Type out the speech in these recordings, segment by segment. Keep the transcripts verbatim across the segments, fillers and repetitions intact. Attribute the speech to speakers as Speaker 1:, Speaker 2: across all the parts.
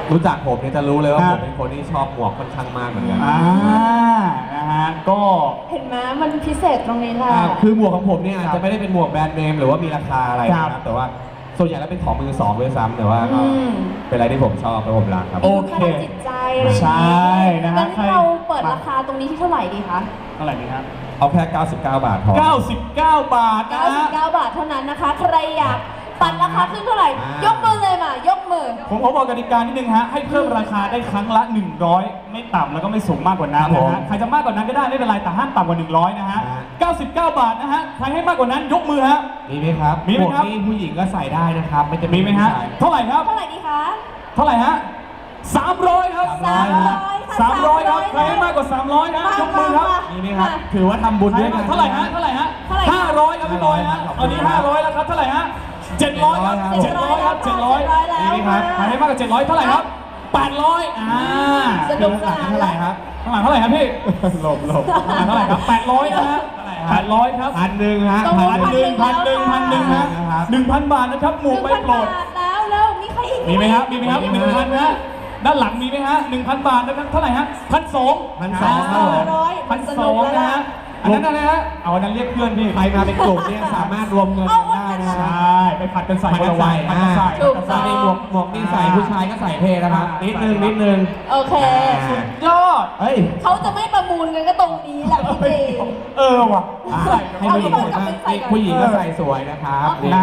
Speaker 1: รู้จักผมเนี่ยจะรู้เลยว่าผมเป็นคนที่ชอบหมวกค่อนข้างมากเหมือนกัน
Speaker 2: อ่านะฮะก็
Speaker 3: เห็นไหมมันพิเศษตรงนี้แหละ
Speaker 1: คือหมวกของผมเนี่ยอาจจะไม่ได้เป็นหมวกแบรนด์เนมหรือว่ามีราคาอะไรนะครับแต่ว่าส่วนใหญ่แล้วเป็นของมือสองด้วยซ้ำแต่ว่าก็เป็นอะไรที่ผมชอบและผมรักครับ
Speaker 3: โอเคจิตใจ
Speaker 2: ใช่นะฮะ
Speaker 3: งั้นเราเปิดราคาตรงนี้ที่เท่าไหร่ดีคะ
Speaker 2: เท่าไหร่ดีครับ
Speaker 1: เอาแค่เก้าสิบเก้าบาทพอ
Speaker 2: เก้าสิบเก้าบาทนะ
Speaker 3: เก้าสิบเก้าบาทเท่านั้นนะคะใครอยากปัดราคาขึ้นเท่าไหร่ยกมือเลยมายกมือ
Speaker 2: ผมขอบอกกติกานิดนึงฮะให้เพิ่มราคาได้ครั้งละหนึ่งร้อยไม่ต่ำแล้วก็ไม่สูงมากกว่านั้นนะฮะใครจะมากกว่านั้นก็ได้ไม่เป็นไรแต่ห้ามต่ำกว่าหนึ่งร้อยนะฮะเก้าสิบเก้าบาทนะฮะใครให้มากกว่านั้นยกมือฮะ
Speaker 1: มีไหมครับ
Speaker 2: มีไหมครับ
Speaker 1: ผู้หญิงก็ใส่ได้นะครับไม่จะ
Speaker 2: มีไหมฮะเท่าไหร่ครับ
Speaker 3: เท่าไหร่ดีคะ
Speaker 2: เท่าไหร่ฮะสามร้อยครับ
Speaker 3: สามร้อย
Speaker 2: สามร้อยครับใครให้มากกว่าสามร้อยนะยกมือครับ
Speaker 1: มีไหมครับถือว่าทำบุญด้วยกัน
Speaker 2: เท่าไหร่ฮะเท่าไหร่ฮะห้าร้อยครับพี่บอยฮะตอนนี้ห้าร้อยแล้วครับเท่าไหร่ฮะเจ็ดร้อยครับเจ็ดร้อยครับเจ็ดร้อย
Speaker 3: มีไหม
Speaker 2: ครับใครให้มากกว่าเจ็ดร้อยเท่าไหร่ครับแปดร้อยอ่า
Speaker 3: สนุกสนาน
Speaker 1: เท่าไหร่ครับ
Speaker 2: ข้างหลังเท่าไหร่ครับพี่หลบหลบข้างหลังเท่าไหร่ครับแปดร้อยนะฮะแปดร้อยครับ
Speaker 1: พันหนึ่งฮะ
Speaker 2: พันหนึ่งพันหนึ่งพันหนึ่งนะหนึ่งพันบาทนะครับหมู่ใบโปรด
Speaker 3: แล้วแล้วมีใครอีก
Speaker 2: มีไหมครับมีไหมครับหนึ่งพันนะด้านหลังมีไหมฮะหนึ่งพันบาทนะครับเท่าไหร่ฮะพันสอง
Speaker 1: พันสอง
Speaker 2: พันสองนะฮะอันนั้นอะไรฮะเอาอันนั้นเรียกเพื่อนพี่
Speaker 1: ใครมาเป็นกลุ่มเนี่ยสามารถรวมเงินกันได้นะ
Speaker 2: ใช่ไปผัดกันใส่
Speaker 1: กันใส่ผัดกันใส่
Speaker 2: ผัดกัน
Speaker 1: ใส่หมวกหมวกนี่ใส่ผู้ชายก็ใส่เท่นะครับนิดนึงนิดนึง
Speaker 3: โอเค
Speaker 2: สุดยอด
Speaker 1: เฮ้ย
Speaker 3: เขาจะไม่ประมูลกันก็ตรงนี้แหละพี่เจ
Speaker 2: เออว่ะ
Speaker 1: ให้ผู้หญิงผู้หญิงก็ใส่สวยนะครับ
Speaker 2: นะ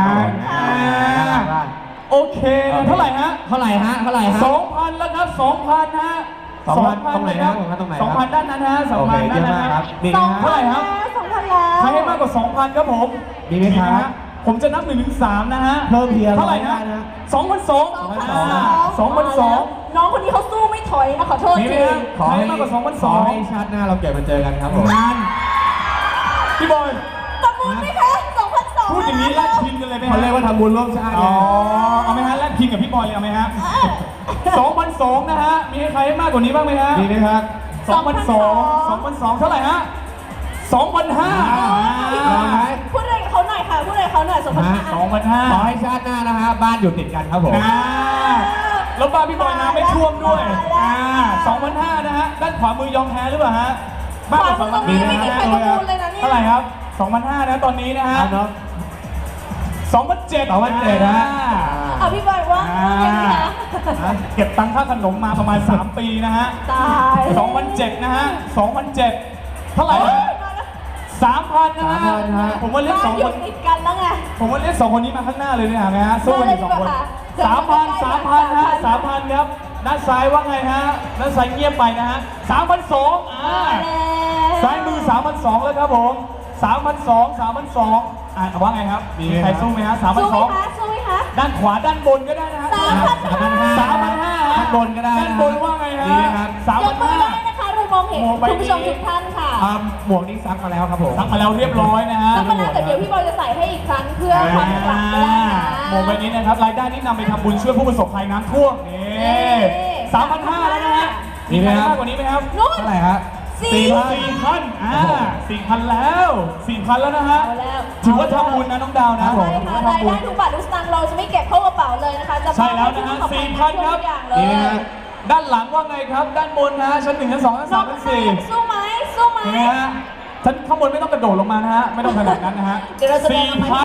Speaker 2: โอเคเท่าไหร่ฮะ
Speaker 1: เท่าไหร่ฮะเท่าไหร่ฮะ
Speaker 2: สองพันแล้วครับสองพันฮะ
Speaker 1: สองพันตรงไหนครับตรงไหน
Speaker 2: สองพันด้านนั้นฮะสองพันด้านนั้นครับ
Speaker 3: สองเท่าไหร่ครับสองพันแล้ว
Speaker 2: ใครให้มากกว่าสองพันครับผม
Speaker 1: มีไหมครับ
Speaker 2: ผมจะนับหนึ่งถึงสามนะฮะ
Speaker 1: เพิ่มเพียง
Speaker 2: เท่าไหร่นะสองพันสองสองพันสอง
Speaker 3: น้องคนนี้เขาสู้ไม่ถอยนะขอโทษ
Speaker 2: จริงขอให้มากกว่าสองพันสอง
Speaker 1: ให้ชาติหน้าเราเกิดมาเจอกันครับผม
Speaker 2: งานพี่บอย
Speaker 3: ประมูลไหมคะสองพันสอง
Speaker 2: พูดอย่างนี้แลกพินกันเลยไหม
Speaker 1: เขาเรียกว่าทำบุญร่วมชาติ
Speaker 2: อ๋อเอาไหมฮะแลกพินกับพี่บอยเลยเอาไหมฮะสองพันสองนะฮะมีใครให้มากกว่านี้บ้างไหมฮะ
Speaker 1: มีไหมครับ
Speaker 2: สองพันสองสองพันสองเท่าไหร่ฮะสองพันห้า
Speaker 3: พูดอะไรเขาหน่อยค่ะพูดอะไรเขาหน่อยสองพันห้า
Speaker 2: สองพันห้า
Speaker 1: ขอให้ชาติหน้านะฮะบ้านอยู่ติดกันครับผม
Speaker 2: แล้วบ้านพี่บอยน้ำไม่ท่วมด้วยอ่าสองพันห้านะฮะด้านขวามือยอมแพ้หรือเปล่าฮะ
Speaker 3: บ้านสองพันมีไม่มีใครประมูลเลยนะเนี่ย
Speaker 2: เท่าไหร่ครับสองพันห้านะตอนนี้นะฮะสองพันเจ็ด
Speaker 1: สองพันเจ็ดนะ
Speaker 3: อ่ะพี่บอยว่า
Speaker 2: เก็บตังค่าขนมมาประมาณสามปีนะฮะ
Speaker 3: ตาย
Speaker 2: สองพันเจ็ดนะฮะสองพันเจ็ดเท่าไหร่สามพันนะฮะผมว่าเรียกสองคน
Speaker 3: ติดกันแล้วไง
Speaker 2: ผมว่าเรียกสองคนนี้มาข้างหน้าเลยนะฮะสู้กันสองคนสามพันสามพันฮะสามพันครับด้านซ้ายว่าไงฮะด้านซ้ายเงียบไปนะฮะสามพันสองอ่าซ้ายมือสามพันสองแล้วครับผมสามพันสองสามพันสองอ่าว่าไงครับมีใครสู้ไหมฮะสามพันสอง
Speaker 3: สู้ไหมคะ
Speaker 2: ด้านขวาด้านบนก็ได้นะฮะ
Speaker 3: สามพันห้า
Speaker 2: สามพันห้า
Speaker 1: ด้านบนก็ได้
Speaker 2: ด้านบนว่าไงฮะสามพันห้า
Speaker 3: นะคะเรามองเห็นคุณผู้ชมทุกท่านค่ะ
Speaker 1: หมวกนี้ซักมาแล้วครับผม
Speaker 2: ซักมาแล้วเรียบร้อยนะฮะ
Speaker 3: ซักมาแล้วแต่เดี๋ยวพี่บอยจะใส่ให้อีกครั้งเพื่อความกลับก็ได้นะ
Speaker 2: หมวกใบนี้นะครับรายได้นี้นำไปทำบุญช่วยผู้ประสบภัยน้ำท่วมนี่สามพันห้าแล้วนะฮะมีใครมากกว่านี้ไหมครับ
Speaker 1: เท่าไหร่ฮะ
Speaker 2: สี่พันสี่พันอ่าสี่พันแล้วสี่พันแล้วนะฮะถือว่าทำบุญนะน้องดาวนะ
Speaker 3: ใช่ค่ะรายได้ทุกบาททุกสตางค์เราจะไม่เก็บเข้ากระเป๋าเลยนะคะจะ
Speaker 2: ใช่แล้วนะฮะสี่พันครับด้านหลังว่าไงครับด้านบนนะชั้นหนึ่งชั้นสองชั้นสามชั้นสี่
Speaker 3: สู้ไหมสู้ไหม
Speaker 2: นะฮะชั้นข้างบนไม่ต้องกระโดดลงมานะฮะไม่ต้องขนาดนั้นนะฮะสี่พัน